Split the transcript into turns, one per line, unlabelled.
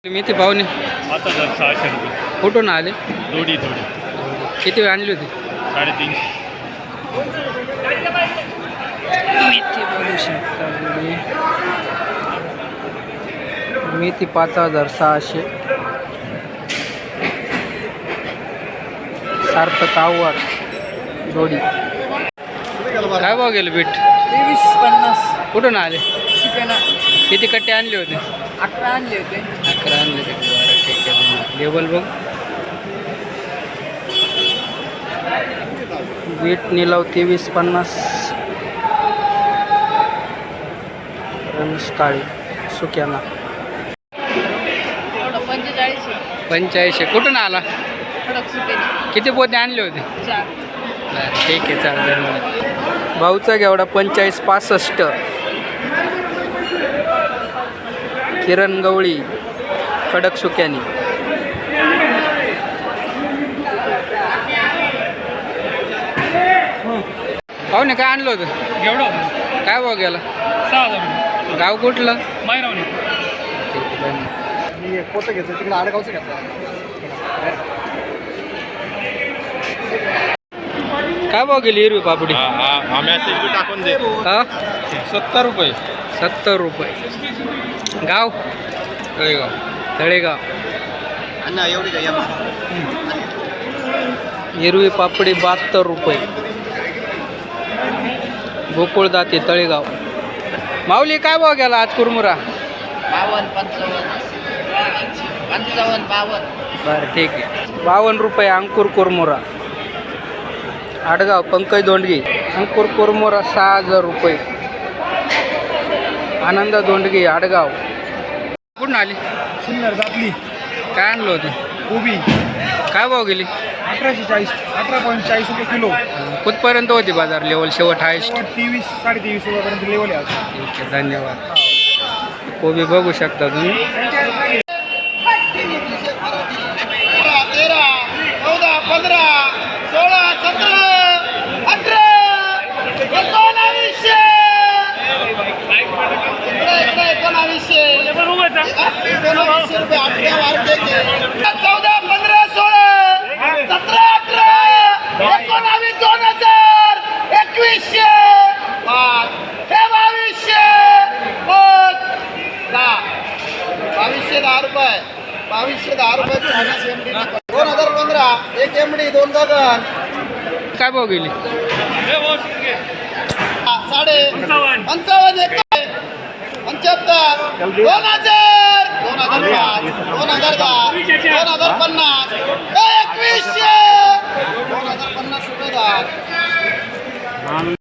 मेथी पाहुणे
5,600 रुपये.
कुठून आले?
थोडी
किती वेळ आणली होती?
350.
मेथी बघू शकता. मेथी 5,600. सार्थक आव्हाड जोडी. काय भाव गेलं बीट?
23-50.
कुठून आले?
शिकेना
किती कट्टे आणले होते?
11 आणले होते.
11 आणले होते. बरं ठीक आहे. लेबल बघ. बीट निलाव 23-50. रमेश काळे सुक्याना 45. कुठून आला? किती पोते आणले होते?
4.
बरं ठीक आहे, चालेल. धन्यवाद. भाऊचा घेवडा 45-65. किरण गवळी खडक सुक्यानी. पाहुणे काय आणलं होतं?
एवढं
काय भाव गेला?
6,000.
गाव कुठलं?
मायरावणी.
ठीक आहे, धन्यवाद.
मी पोतं घेतलं तिकडे आडगावचं घेतलं.
काय भाव गेली हिरवी पापडी?
टाकून दे.
हा
70 रुपये.
70 रुपये. गाव
तळेगाव.
तळेगाव.
अण्णा एवढी काय
हिरवी पापडी 72 रुपये. गोकुळ दाते तळेगाव. माऊली काय भाव गेला आज कुरमुरा?
55.
बरं ठीक आहे. 52 रुपये अंकुर कुरमुरा. आडगाव पंकज दोंडगे. अंकुर कुरमुरा 6,000 रुपये. आनंद दोंडगे आडगाव. कुठून आली?
सुंदर जातली
काय आणलं होतं?
कोबी
काय भाव गेली?
18.40 रुपये किलो.
कुठपर्यंत होती बाजार लेवल शेवट हायस्ट?
23-23.5 रुपयापर्यंत लेवल आहे.
ठीक आहे, धन्यवाद. कोबी बघू शकता तुम्ही.
13, 14, 15, 16, 17, 18, 1900. 1900 रुपये 8 वाढते. 14, 15, 16, 17, 18, 19, 2000, 2100, 5, 2200, 5, 10, 2210 रुपये. 2210 रुपये. 2015 एक एमडी 2 गगन.
काय भाव गेली?
55, 75, 2000, 2005, 2010, 2050, 2100, 2050 रुपये.